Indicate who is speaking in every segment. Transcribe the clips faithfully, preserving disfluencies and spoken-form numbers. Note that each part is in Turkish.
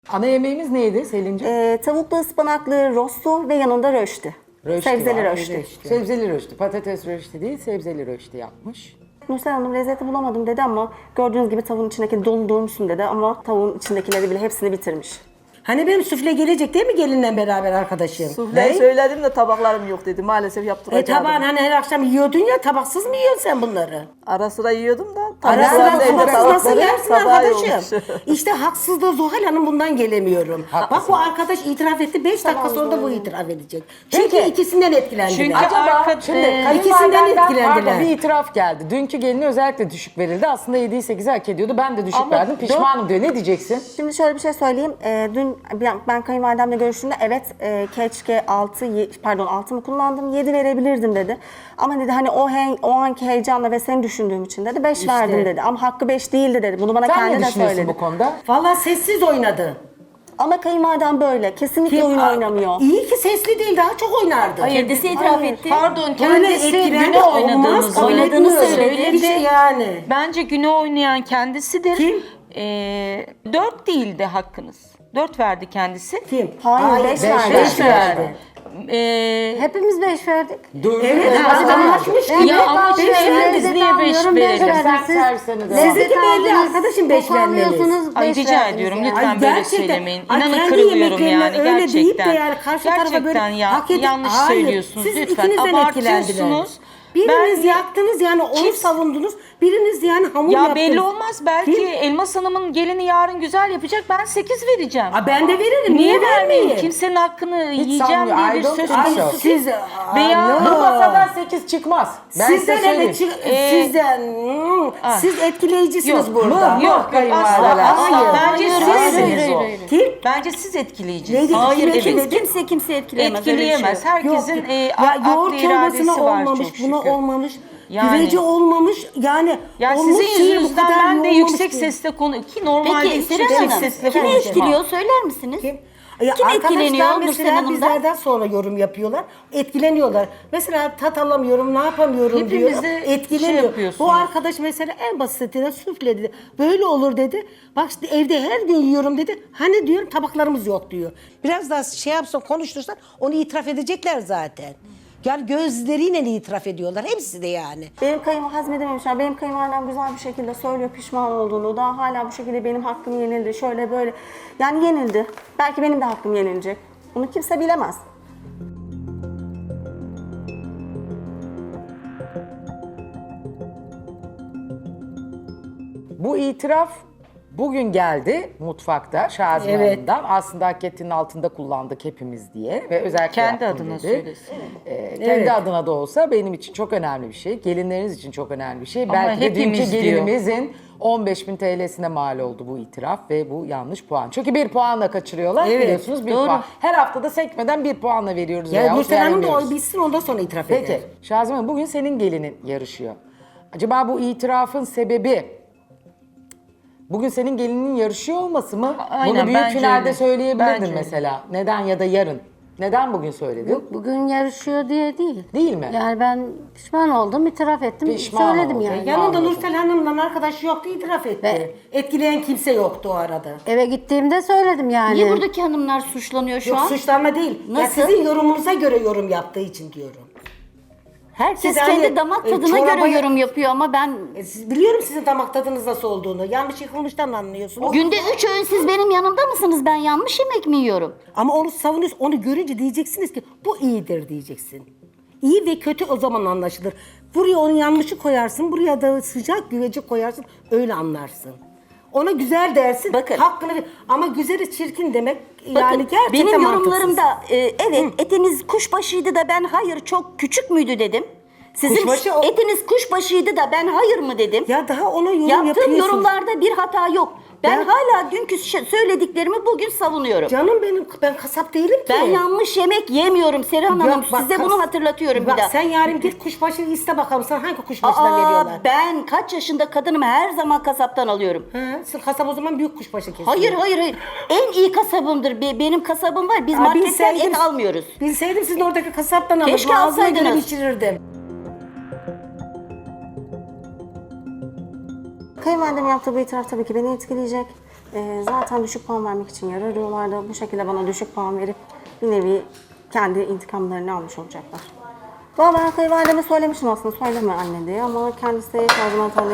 Speaker 1: Ana yemeğimiz neydi Selin'ciğim?
Speaker 2: Ee, tavuklu ıspanaklı rosto ve yanında röştü.
Speaker 1: Röşti
Speaker 2: Sebzeli
Speaker 1: var.
Speaker 2: röştü.
Speaker 1: Sebzeli röşti. Patates röşti değil, sebzeli röşti yapmış.
Speaker 2: Nursel Hanım lezzeti bulamadım dedi ama gördüğünüz gibi tavuğun içindeki dolu doymuşsun dedi ama tavuğun içindekileri bile hepsini bitirmiş.
Speaker 3: Hani benim süfle gelecek değil mi gelinle beraber arkadaşım?
Speaker 4: Sufleyi
Speaker 3: Ne?
Speaker 4: söyledim de tabaklarım yok dedi. Maalesef
Speaker 3: E
Speaker 4: yaptıracaktım.
Speaker 3: tabağın hani her akşam yiyordun ya, tabaksız mı yiyorsun sen bunları?
Speaker 4: Ara sıra yiyordum da.
Speaker 3: Ara sıra
Speaker 4: tabaklarım evde
Speaker 3: tabaksız nasıl
Speaker 4: tabakları
Speaker 3: yersin
Speaker 4: tabağı
Speaker 3: arkadaşım?
Speaker 4: yokmuş.
Speaker 3: İşte haksızlığı Zuhal Hanım, bundan gelemiyorum.
Speaker 1: Haklısın.
Speaker 3: Bak bu arkadaş itiraf etti, beş dakika sonra da bu itiraf edecek. Çünkü
Speaker 1: Peki.
Speaker 3: ikisinden etkilendiler.
Speaker 5: Çünkü
Speaker 1: Acaba
Speaker 5: arka-
Speaker 1: şimdi
Speaker 5: e,
Speaker 3: ikisinden
Speaker 1: kayınvalidenden
Speaker 3: etkilendiler.
Speaker 1: pardon, bir itiraf geldi. Dünkü geline özellikle düşük verildi. Aslında yediği sekizi hak ediyordu. Ben de düşük
Speaker 5: Ama
Speaker 1: verdim. Pişmanım diyor. Ne diyeceksin?
Speaker 2: Şimdi şöyle bir şey söyleyeyim. Ee, dün ben, ben kayınvalidemle görüştüğümde evet e, keşke altı pardon altı mı kullandım yedi verebilirdim dedi. Ama dedi hani o he, o anki heyecanla ve seni düşündüğüm için dedi beş
Speaker 3: İşte.
Speaker 2: verdim dedi. Ama hakkı beş değildi dedi. Bunu bana
Speaker 1: Sen
Speaker 2: kendi
Speaker 1: ne
Speaker 2: de
Speaker 1: düşünüyorsun
Speaker 2: söyledi.
Speaker 1: bu konuda?
Speaker 3: Vallahi sessiz oynadı.
Speaker 2: Ama kayınvalidem böyle. Kesinlikle
Speaker 3: Kim-
Speaker 2: oyun
Speaker 3: Aa,
Speaker 2: oynamıyor.
Speaker 3: İyi ki sesli değil, daha çok oynardı.
Speaker 6: Kendisi itiraf
Speaker 2: Hayır.
Speaker 6: etti.
Speaker 5: Pardon,
Speaker 3: Öyle
Speaker 5: kendisi
Speaker 3: etkilendi,
Speaker 5: güne
Speaker 3: olmaz,
Speaker 5: oynadığımızı
Speaker 3: kabul
Speaker 6: oynadığını
Speaker 3: etmiyorum.
Speaker 6: söyledi.
Speaker 3: İşte yani.
Speaker 5: Bence güne oynayan kendisidir.
Speaker 3: Kim?
Speaker 5: Ee, dört değildi hakkınız. Dört verdi kendisi.
Speaker 3: Kim?
Speaker 2: Hayır, beş verdi.
Speaker 3: Beş verdi.
Speaker 5: Ee,
Speaker 6: Hepimiz beş verdik.
Speaker 3: Evet, anlaşmış gibi.
Speaker 5: Ya ama
Speaker 3: Beş
Speaker 5: şey,
Speaker 3: verdi.
Speaker 5: biz niye beş verelim?
Speaker 1: Sen servisine devam.
Speaker 3: Sizdeki belli arkadaşım beş vermeniz.
Speaker 5: Ay rica ediyorum lütfen
Speaker 3: Ay,
Speaker 5: böyle
Speaker 3: gerçekten.
Speaker 5: söylemeyin.
Speaker 3: Ay,
Speaker 5: İnanın
Speaker 3: kendi
Speaker 5: kırılıyorum
Speaker 3: yemeklerine
Speaker 5: yani
Speaker 3: öyle deyip de
Speaker 5: gerçekten.
Speaker 3: yani karşı tarafa böyle
Speaker 5: Gerçekten ya,
Speaker 3: hak edip-
Speaker 5: yanlış
Speaker 3: Hayır,
Speaker 5: söylüyorsunuz
Speaker 3: siz
Speaker 5: lütfen.
Speaker 3: ikinizden
Speaker 5: Abartıyorsunuz.
Speaker 3: etkilendiler. Biriniz
Speaker 5: Ben-
Speaker 3: yaktınız yani onu
Speaker 5: Kim-
Speaker 3: savundunuz. Biriniz yani hamur
Speaker 5: Ya
Speaker 3: yaptınız.
Speaker 5: belli olmaz, belki
Speaker 3: Kim?
Speaker 5: Elmas Hanım'ın gelini yarın güzel yapacak, ben sekiz vereceğim.
Speaker 3: Aa, ben de veririm.
Speaker 5: Niye
Speaker 3: Niye
Speaker 5: vermeyeyim?
Speaker 3: vermeyeyim?
Speaker 5: Kimsenin hakkını yiyeceğim
Speaker 1: sanmıyorum.
Speaker 5: diye
Speaker 1: I
Speaker 5: bir
Speaker 1: don't
Speaker 5: söz
Speaker 1: think so.
Speaker 5: konusu.
Speaker 3: Siz,
Speaker 5: Veya-
Speaker 1: Bu masadan sekiz çıkmaz. Ben size
Speaker 3: Sizden
Speaker 1: söyleyeyim.
Speaker 3: evet çık-
Speaker 5: Ee,
Speaker 3: sizden hmm,
Speaker 5: ah.
Speaker 3: siz etkileyicisiniz
Speaker 5: Yok,
Speaker 3: burada.
Speaker 5: yok, yok, asla, asla. Bence sizsiniz o.
Speaker 3: Kim?
Speaker 5: Bence siz etkileyicisiniz.
Speaker 3: Neydi?
Speaker 6: Hayır,
Speaker 3: Kim
Speaker 6: kimse,
Speaker 3: dedi?
Speaker 6: kimse kimse etkileyemez.
Speaker 5: Etkileyemez. Herkesin
Speaker 3: Yok.
Speaker 5: e,
Speaker 3: Ya
Speaker 5: aklı
Speaker 3: yoğurt
Speaker 5: iradesi
Speaker 3: çorbasına
Speaker 5: var
Speaker 3: olmamış,
Speaker 5: çok
Speaker 3: buna
Speaker 5: şükür.
Speaker 3: olmamış,
Speaker 5: Yani.
Speaker 3: güveci olmamış. Yani
Speaker 5: Ya
Speaker 3: olmuş
Speaker 5: sizin
Speaker 3: şeye bu
Speaker 5: yüzünüzden
Speaker 3: kadar
Speaker 5: ben de
Speaker 3: yoğunmamış
Speaker 5: yüksek
Speaker 3: değil.
Speaker 5: sesle konu ki normalde
Speaker 6: Peki
Speaker 5: yüksek
Speaker 6: Seren Hanım,
Speaker 5: sesle
Speaker 6: kimi
Speaker 5: konuşmam.
Speaker 6: etkiliyor söyler misiniz?
Speaker 3: Kim? Ya
Speaker 6: Kim
Speaker 3: arkadaşlar
Speaker 6: etkileniyor Nursel
Speaker 3: mesela
Speaker 6: Hanım'dan?
Speaker 3: bizlerden sonra yorum yapıyorlar. Etkileniyorlar. Mesela tat alamıyorum, ne yapamıyorum
Speaker 5: Hepimiz
Speaker 3: diyor.
Speaker 5: de
Speaker 3: Etkileniyor.
Speaker 5: şey yapıyorsunuz.
Speaker 3: Bu arkadaş mesela en basitinden süfle dedi. Böyle olur dedi. Bak işte evde her gün yiyorum dedi. Hani diyorum tabaklarımız yok diyor. Biraz daha şey yapsan, konuştursan onu itiraf edecekler zaten. Yani gözleriyle itiraf ediyorlar. Hepsi de yani.
Speaker 2: Benim kayım hazmedememişler. Benim kayınvalidem güzel bir şekilde söylüyor pişman olduğunu. Daha hala bu şekilde benim hakkım yenildi. Şöyle böyle. Yani yenildi. Belki benim de hakkım yenilecek. Bunu kimse bilemez.
Speaker 1: Bu itiraf bugün geldi mutfakta Şazime
Speaker 3: Evet.
Speaker 1: Hanım'dan. Aslında hak ettiğinin altında kullandık hepimiz diye. Ve özellikle
Speaker 5: Kendi
Speaker 1: yaptım
Speaker 5: adına
Speaker 1: dedi.
Speaker 5: söylesin.
Speaker 1: Ee, kendi
Speaker 3: Evet.
Speaker 1: adına da olsa benim için çok önemli bir şey. Gelinleriniz için çok önemli bir şey.
Speaker 5: Ama
Speaker 1: Belki de
Speaker 5: hepimiz
Speaker 1: dünkü
Speaker 5: diyor.
Speaker 1: gelinimizin on beş bin T L'sine mal oldu bu itiraf ve bu yanlış puan. Çünkü bir puanla kaçırıyorlar
Speaker 3: Evet,
Speaker 1: biliyorsunuz bir
Speaker 3: doğru.
Speaker 1: puan. Her haftada sekmeden bir puanla veriyoruz.
Speaker 3: Ya
Speaker 1: veyahut
Speaker 3: Nursel Hanım da
Speaker 1: vermiyoruz.
Speaker 3: o bitsin ondan sonra itiraf eder.
Speaker 1: Peki Şazime Hanım bugün senin gelinin yarışıyor. Acaba bu itirafın sebebi bugün senin gelinin yarışıyor olması mı?
Speaker 5: Aynen,
Speaker 1: Bunu büyük
Speaker 5: bence
Speaker 1: finalde
Speaker 5: öyle.
Speaker 1: söyleyebilirdin
Speaker 5: Bence öyle.
Speaker 1: mesela. Neden ya da yarın? Neden bugün söyledin?
Speaker 7: Bugün yarışıyor diye değil.
Speaker 1: Değil mi?
Speaker 7: Yani ben pişman oldum, itiraf ettim,
Speaker 1: Pişman
Speaker 7: söyledim
Speaker 1: oldun.
Speaker 7: yani.
Speaker 3: Yanında
Speaker 1: Anladım.
Speaker 3: Nursel Hanım'la arkadaş yoktu, itiraf etti.
Speaker 7: Ve-
Speaker 3: Etkileyen kimse yoktu o arada.
Speaker 7: Eve gittiğimde söyledim yani.
Speaker 6: Niye buradaki hanımlar suçlanıyor şu
Speaker 3: Yok
Speaker 6: an?
Speaker 3: suçlanma değil. Ya
Speaker 6: Nasıl?
Speaker 3: sizin yorumunuza göre yorum yaptığı için diyorum.
Speaker 6: Herkes
Speaker 3: Siz
Speaker 6: kendi
Speaker 3: hani,
Speaker 6: damak
Speaker 3: e,
Speaker 6: tadına
Speaker 3: çoraba-
Speaker 6: göre yorum yapıyor ama ben
Speaker 3: E, siz, biliyorum sizin damak tadınız nasıl olduğunu. Yanlış konuştan anlıyorsunuz.
Speaker 6: günde üç öğün siz benim yanımda mısınız? Ben yanlış yemek mi yiyorum?
Speaker 3: Ama onu savunuyorsun. Onu görünce diyeceksiniz ki bu iyidir diyeceksin. İyi ve kötü o zaman anlaşılır. Buraya onun yanlışı koyarsın. Buraya da sıcak güveci koyarsın. Öyle anlarsın. Ona güzel dersin.
Speaker 6: Bakın.
Speaker 3: Hakkını ver. Ama güzeli çirkin demek
Speaker 6: Bakın
Speaker 3: yani gerçekten
Speaker 6: benim
Speaker 3: mantıksız.
Speaker 6: yorumlarımda e, evet etiniz kuşbaşıydı da ben hayır çok küçük müydü dedim. Sizin
Speaker 3: Kuşbaşı o-
Speaker 6: etiniz kuşbaşıydı da ben hayır mı dedim.
Speaker 3: Ya daha ona yorum
Speaker 6: Yaptığım
Speaker 3: yapıyorsun.
Speaker 6: yorumlarda bir hata yok. Ben
Speaker 3: Ya-
Speaker 6: hala dünkü şey- söylediklerimi bugün savunuyorum.
Speaker 3: Canım benim ben kasap değilim ki.
Speaker 6: Ben yanlış yemek yemiyorum Serhan Hanım.
Speaker 3: Yok, bak,
Speaker 6: Size
Speaker 3: kas-
Speaker 6: bunu hatırlatıyorum
Speaker 3: Bak
Speaker 6: bir daha.
Speaker 3: sen yarın git kuşbaşı iste bakalım sana hangi kuşbaşıdan
Speaker 6: Aa,
Speaker 3: veriyorlar.
Speaker 6: ben kaç yaşında kadınım her zaman kasaptan alıyorum.
Speaker 3: Ha, sen kasap o zaman büyük kuşbaşı kesiyor.
Speaker 6: Hayır hayır hayır. En iyi kasabımdır. Be- Benim kasabım var. Biz
Speaker 3: Aa,
Speaker 6: marketten
Speaker 3: bilseydim-
Speaker 6: et almıyoruz.
Speaker 3: Bilseydim sizin oradaki kasaptan alırdım.
Speaker 6: Keşke
Speaker 3: Ağzına göre
Speaker 6: alsaydınız.
Speaker 3: pişirirdim.
Speaker 2: Kayınvalidem yaptığı bu itiraf tabii ki beni etkileyecek. Ee, zaten düşük puan vermek için yer arıyorlardı. Bu şekilde bana düşük puan verip bir nevi kendi intikamlarını almış olacaklar. Valla ben kayınvalideme söylemiştim aslında söyleme anne diye ama kendisi her zaman tabii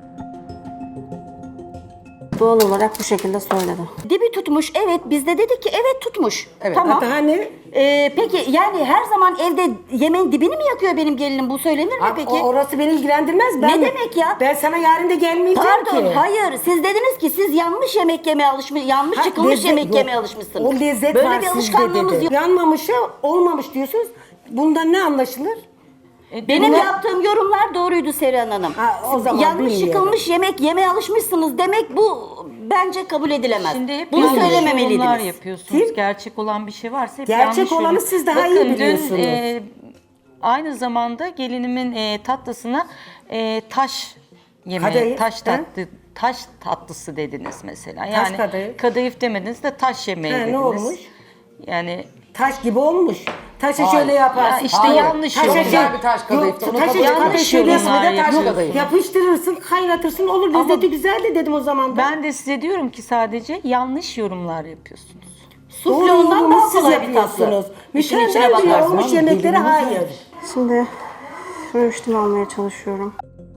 Speaker 2: doğal olarak bu şekilde söyledi.
Speaker 6: Dibi tutmuş, evet, biz de dedik ki evet tutmuş.
Speaker 1: Evet.
Speaker 6: Tamam.
Speaker 3: Hatta hani
Speaker 6: Ee, peki yani her zaman evde yemeğin dibini mi yakıyor benim gelinim? Bu söylenir mi
Speaker 3: Aa,
Speaker 6: peki?
Speaker 3: o- orası beni ilgilendirmez. Ben,
Speaker 6: Ne demek ya?
Speaker 3: Ben sana yarın da gelmeyeceğim
Speaker 6: Pardon,
Speaker 3: ki.
Speaker 6: hayır. Siz dediniz ki siz yanlış yemek yemeye alışmış, yanlış
Speaker 3: Ha,
Speaker 6: çıkılmış
Speaker 3: lezzet
Speaker 6: yemek
Speaker 3: yok.
Speaker 6: yemeye alışmışsınız.
Speaker 3: O lezzet
Speaker 6: Böyle
Speaker 3: var
Speaker 6: bir
Speaker 3: sizde
Speaker 6: alışkanlığınız
Speaker 3: dedi.
Speaker 6: yok.
Speaker 3: Yanmamışa olmamış diyorsunuz. Bundan ne anlaşılır?
Speaker 6: Benim
Speaker 3: Bunlar-
Speaker 6: yaptığım yorumlar doğruydu Serihan Hanım.
Speaker 3: Ha, o
Speaker 6: Siz
Speaker 3: zaman
Speaker 6: yanlış
Speaker 3: bilmiyorum.
Speaker 6: çıkılmış yemek yemeye alışmışsınız demek bu bence kabul edilemez.
Speaker 5: Şimdi hep
Speaker 6: Bunu
Speaker 5: yanlış yorumlar
Speaker 6: söylememeliydiniz.
Speaker 5: yapıyorsunuz.
Speaker 3: Kim?
Speaker 5: Gerçek olan bir şey varsa hep
Speaker 3: Gerçek
Speaker 5: yanlış
Speaker 3: olanı
Speaker 5: yorum.
Speaker 3: siz daha iyi
Speaker 5: Bakın,
Speaker 3: biliyorsunuz.
Speaker 5: Dün, e, aynı zamanda gelinimin e, tatlısına e, taş yemeği,
Speaker 3: Kadayıf,
Speaker 5: taş
Speaker 3: he?
Speaker 5: tatlı, taş tatlısı dediniz mesela. Yani
Speaker 3: kadayıf.
Speaker 5: kadayıf demediniz de taş yemeği
Speaker 3: He, ne
Speaker 5: dediniz.
Speaker 3: olmuş?
Speaker 5: Yani
Speaker 3: Taş gibi olmuş. Taşa
Speaker 1: Hayır.
Speaker 3: şöyle yaparsın.
Speaker 5: Ya işte
Speaker 1: Hayır.
Speaker 5: yanlış
Speaker 3: Taşa
Speaker 5: yorumlar.
Speaker 1: Güzel bir taş kadayıftı,
Speaker 3: Yok,
Speaker 1: onu
Speaker 3: taşa
Speaker 1: kabul
Speaker 3: kadayıf
Speaker 1: ediyorum.
Speaker 3: şöyle
Speaker 5: Yanlış yorumlar
Speaker 3: yapar,
Speaker 1: taş
Speaker 5: yapıyorsunuz.
Speaker 1: kadayıf.
Speaker 3: yapıştırırsın, kaynatırsın olur. Lezzeti güzel de dedim o zaman da.
Speaker 5: Ben de size diyorum ki sadece yanlış yorumlar yapıyorsunuz.
Speaker 6: Sufle ondan
Speaker 3: yorumumu
Speaker 6: daha
Speaker 3: siz
Speaker 6: kolay bir tatlı.
Speaker 3: yapıyorsunuz.
Speaker 6: İşin içine
Speaker 3: Mükemmel bile
Speaker 6: bakarsın.
Speaker 3: olmuş yemeklere hayır.
Speaker 2: Şimdi röştimi almaya çalışıyorum.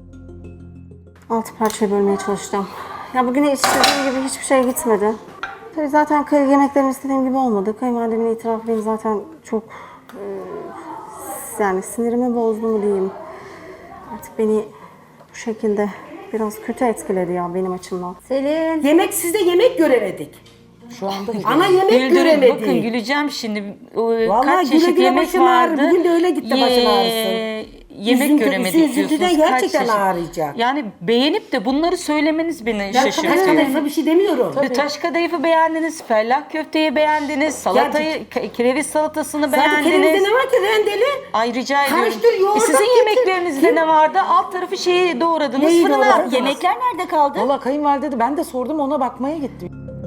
Speaker 2: Altı parçaya bölmeye çalıştım. Ya bugün hiç istediğim gibi hiçbir şey gitmedi. Tabii zaten kay- yemeklerim istediğim gibi olmadı. Kayınvalidemin itirafı beni zaten çok e, yani sinirimi bozdu mu diyeyim. Artık beni bu şekilde biraz kötü etkiledi ya benim açımdan.
Speaker 7: Selin.
Speaker 3: Yemek sizde yemek göremedik.
Speaker 1: Şu anda
Speaker 3: Ana yemek
Speaker 5: Güldürün,
Speaker 3: göremedik.
Speaker 5: bakın güleceğim şimdi. O,
Speaker 3: Vallahi
Speaker 5: kaç
Speaker 3: güle
Speaker 5: çeşit
Speaker 3: güle
Speaker 5: yemek
Speaker 3: başın ağrı.
Speaker 5: vardı.
Speaker 3: Bugün de öyle gitti başın ağrısı.
Speaker 5: Yemek
Speaker 3: Üzüntü-
Speaker 5: göremedik
Speaker 3: üzüntüden
Speaker 5: diyorsunuz. Kaç
Speaker 3: gerçekten
Speaker 5: çeşit?
Speaker 3: ağrıyacak.
Speaker 5: Yani beğenip de bunları söylemeniz beni
Speaker 3: Ben taş
Speaker 5: şaşırtıyor.
Speaker 3: kadayıfa bir şey demiyorum.
Speaker 5: Bir Taş kadayıfı beğendiniz, fellah köfteyi beğendiniz, salatayı, ke- kereviz salatasını
Speaker 3: Zaten
Speaker 5: beğendiniz.
Speaker 3: kerevizde ne var ki rendeli?
Speaker 5: Ay rica ediyorum.
Speaker 3: Karıştır, yoğurt
Speaker 5: E, Sizin
Speaker 3: at, getir.
Speaker 5: yemeklerinizde
Speaker 3: Kim?
Speaker 5: ne vardı? Alt tarafı şeyi doğradınız,
Speaker 3: Neyi
Speaker 5: fırına
Speaker 3: doğradınız?
Speaker 5: attınız.
Speaker 6: Yemekler nerede kaldı?
Speaker 1: Valla kayınvalide de ben de sordum ona bakmaya gittim.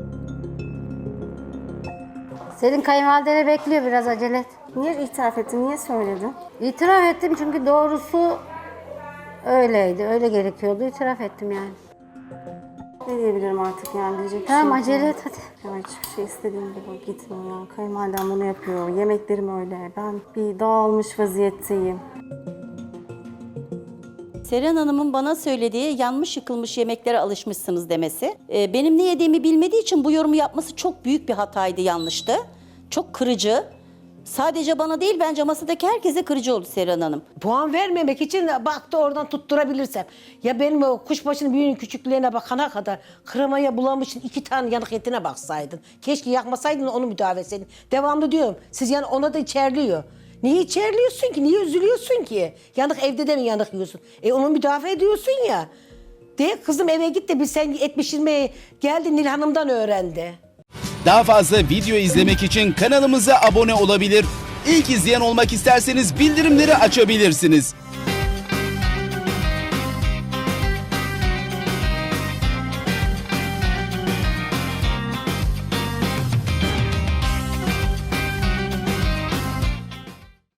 Speaker 7: Selin kayınvalidene bekliyor, biraz acele et.
Speaker 2: Niye itiraf ettin? Niye söyledin?
Speaker 7: İtiraf ettim çünkü doğrusu öyleydi. Öyle gerekiyordu. İtiraf ettim yani.
Speaker 2: Ne diyebilirim artık yani diyecek bir
Speaker 7: Tamam
Speaker 2: şey yok.
Speaker 7: acele et hadi.
Speaker 2: Ya hiçbir şey istediğim gibi gitmiyor ya. Kayınvalidem bunu yapıyor. Yemeklerim öyle. Ben bir dağılmış vaziyetteyim.
Speaker 6: Seren Hanım'ın bana söylediği yanmış yıkılmış yemeklere alışmışsınız demesi. Ee, benim ne yediğimi bilmediği için bu yorumu yapması çok büyük bir hataydı, yanlıştı. Çok kırıcı. Sadece bana değil, bence masadaki herkese kırıcı oldu Seren Hanım.
Speaker 3: Puan vermemek için baktı oradan tutturabilirsem. Ya benim o kuşbaşının büyüğünün küçüklüğüne bakana kadar kremaya bulamışsın iki tane yanık etine baksaydın. Keşke yakmasaydın onu müdahale etseydin. Devamlı diyorum. Siz yani ona da içerliyor. Niye içerliyorsun ki? Niye üzülüyorsun ki? Yanık evde de mi yanık yiyorsun? E onu müdafaa ediyorsun ya. De kızım eve git de bir sen et pişirmeye geldi Nil Hanım'dan öğrendi.
Speaker 8: Daha fazla video izlemek için kanalımıza abone olabilir. İlk izleyen olmak isterseniz bildirimleri açabilirsiniz.